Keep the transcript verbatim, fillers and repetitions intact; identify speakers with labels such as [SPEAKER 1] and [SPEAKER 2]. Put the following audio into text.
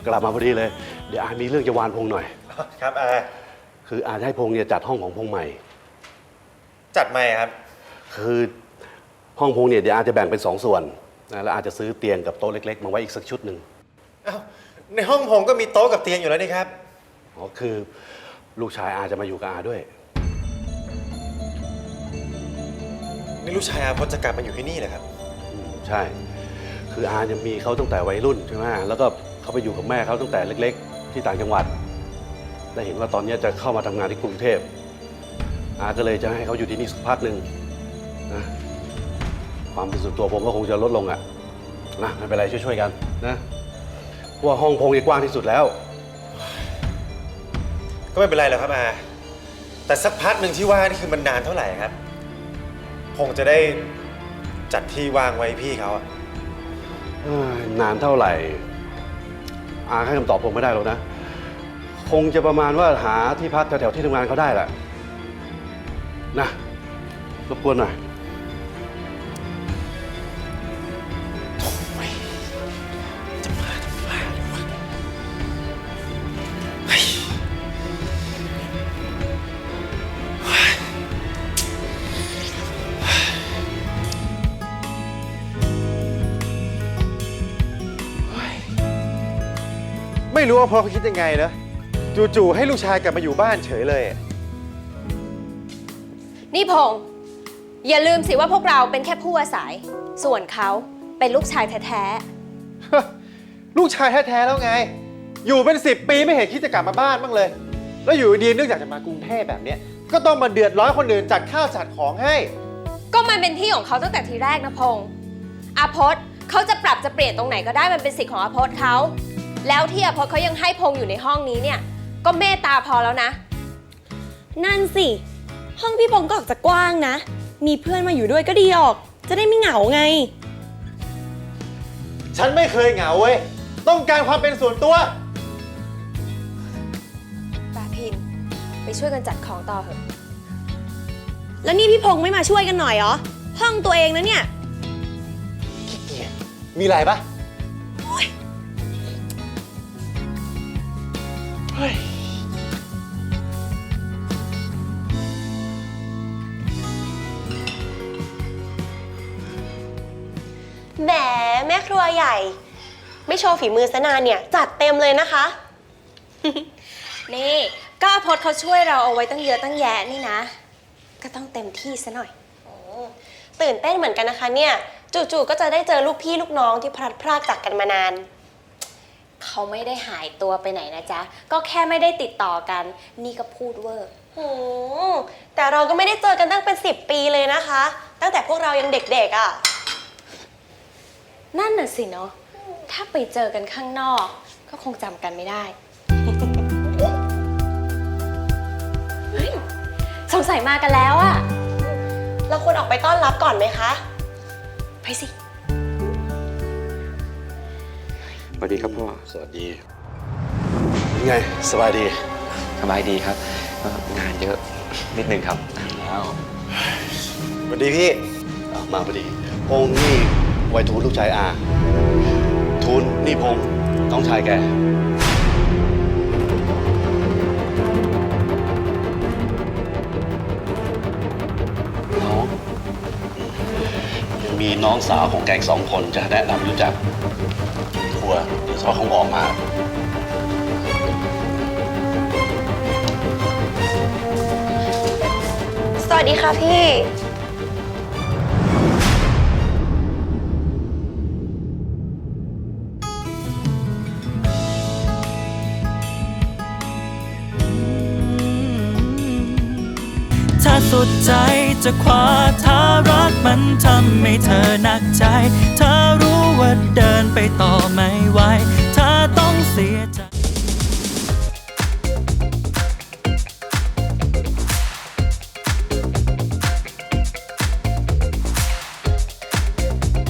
[SPEAKER 1] กลับมาพอดีเลยเดี๋ยวอามีเรื่องจะวานพงหน่อย
[SPEAKER 2] ครับอา
[SPEAKER 1] คืออาจะให้พงเนี่ยจัดห้องของพงใหม่
[SPEAKER 2] จัดใหม่ครับ
[SPEAKER 1] คือห้องพงเนี่ยเดี๋ยวอาจะแบ่งเป็นสองส่วนนะแล้วอาจจะซื้อเตียงกับโต๊ะเล็กๆมาไว้อีกสักชุดหนึ่ง
[SPEAKER 2] อ้าวในห้องผมก็มีโต๊ะกับเตียงอยู่แล้วนี่ครับ
[SPEAKER 1] อ๋อคือลูกชายอาจะมาอยู่กับอาด้วย
[SPEAKER 2] นี่ลูกชายอาพจน์จะกลับมาอยู่ที่นี่เหรอครับ
[SPEAKER 1] ใช่คืออาจะมีเขาตั้งแต่วัยรุ่นใช่ไหมแล้วก็เขาไปอยู่กับแม่เขาตั้งแต่เล็กๆที่ต่างจังหวัดและเห็นว่าตอนนี้จะเข้ามาทำงานที่กรุงเทพอาก็เลยจะให้เขาอยู่ที่นี่สักพักหนึ่งนะความเป็นส่วนตัวผมก็คงจะลดลงอ่ะนะไม่เป็นไรช่วยๆกันนะเพราะว่าห้องพงกว้างที่สุดแล้ว
[SPEAKER 2] ก็ไม่เป็นไรหรอกครับอาแต่สักพักหนึ่งที่ว่านี่คือมันนานเท่าไหร่ครับพงจะได้จัดที่ว่างไว้พี่เขาอะ
[SPEAKER 1] นานเท่าไหร่อาให้คำตอบผมไม่ได้หรอกนะคงจะประมาณว่าหาที่พักแถวๆที่ทำงานเขาได้แหละนะรบกวนหน่อย
[SPEAKER 2] จะมาจะมาเลยวะไม่รู้ว่าพ่อเขาคิดยังไงนะจู่ๆให้ลูกชายกลับมาอยู่บ้านเฉยเลย
[SPEAKER 3] นี่พงษ์อย่าลืมสิว่าพวกเราเป็นแค่ผู้อาศัยส่วนเขาเป็นลูกชายแท้
[SPEAKER 2] ๆลูกชายแท้ๆแล้วไงอยู่เป็นสิบปีไม่เห็นคิดจะกลับมาบ้านบ้างเลยแล้วอยู่ดีเนื่องจากจะมากรุงเทพแบบนี้ก็ต้องมาเดือดร้อนคนอื่นจัดข้าวจัดของให้
[SPEAKER 3] ก็มันเป็นที่ของเขาตั้งแต่ทีแรกนะพงษ์อาพจน์เขาจะปรับจะเปลี่ยนตรงไหนก็ได้มันเป็นสิทธิ์ของอาพจน์เขาแล้วที่อาพจน์เขายังให้พงษ์อยู่ในห้องนี้เนี่ยก็เมตตาพอแล้วนะ
[SPEAKER 4] นั่นสิห้องพี่พงษ์ก็ออกจะกว้างนะมีเพื่อนมาอยู่ด้วยก็ดีออกจะได้ไม่เหงาไง
[SPEAKER 2] ฉันไม่เคยเหงาเว้ยต้องการความเป็นส่วนตัว
[SPEAKER 3] ปาพินไปช่วยกันจัดของต่อเถอะ
[SPEAKER 4] แล้วนี่พี่พงษ์ไม่มาช่วยกันหน่อยเหรอห้องตัวเองนะเนี่ย
[SPEAKER 2] ขี้เกียจมีอะไรปะเฮ้ย
[SPEAKER 4] แหมแม่ครัวใหญ่ไม่โชว์ฝีมือซะนานเนี่ยจัดเต็มเลยนะคะ
[SPEAKER 3] นี่ก็อาพจน์เขาช่วยเราเอาไว้ตั้งเยอะตั้งแยะนี่นะก็ต้องเต็มที่ซะหน่อย
[SPEAKER 4] ตื่นเต้นเหมือนกันนะคะเนี่ยจู่ๆก็จะได้เจอลูกพี่ลูกน้องที่พลัดพรากจากกันมานาน
[SPEAKER 3] เขาไม่ได้หายตัวไปไหนนะจ๊ะก็แค่ไม่ได้ติดต่อกันนี่ก็พูดเวอร์
[SPEAKER 4] โอ้แต่เราก็ไม่ได้เจอกันตั้งเป็นสิบปีเลยนะคะตั้งแต่พวกเรายังเด็กๆอ่ะ
[SPEAKER 3] นั่นน่ะสิเนาะถ้าไปเจอกันข้างนอกก็คงจำกันไม่ได้สงสัยมากันแล้วอะ
[SPEAKER 4] เราควรออกไปต้อนรับก่อนไหมคะ
[SPEAKER 3] ไปสิ
[SPEAKER 5] สวัสดีครับพ่อ
[SPEAKER 1] สวัสดียังไงสบายดี
[SPEAKER 5] สบายดีครับงานเยอะนิดนึงครับ
[SPEAKER 1] แล้ว
[SPEAKER 2] สวัสดีพี่
[SPEAKER 1] มาพอดีพงษ์นี่ไวทูลลูกชายอาทูลนี่พงษ์น้องชายแกน้องยังมีน้องสาวของแกอีกสองคนจะแนะนำรู้จักครัวเดี๋ยวเขาคงออกมา
[SPEAKER 4] สวัสดีค่ะพี่
[SPEAKER 6] ถ้าสุดใจจะคว้าถ้ารักมันทำให้เธอหนักใจเธอรู้ว่าเดินไปต่อไม่ไหวถ้าต้องเสียใจ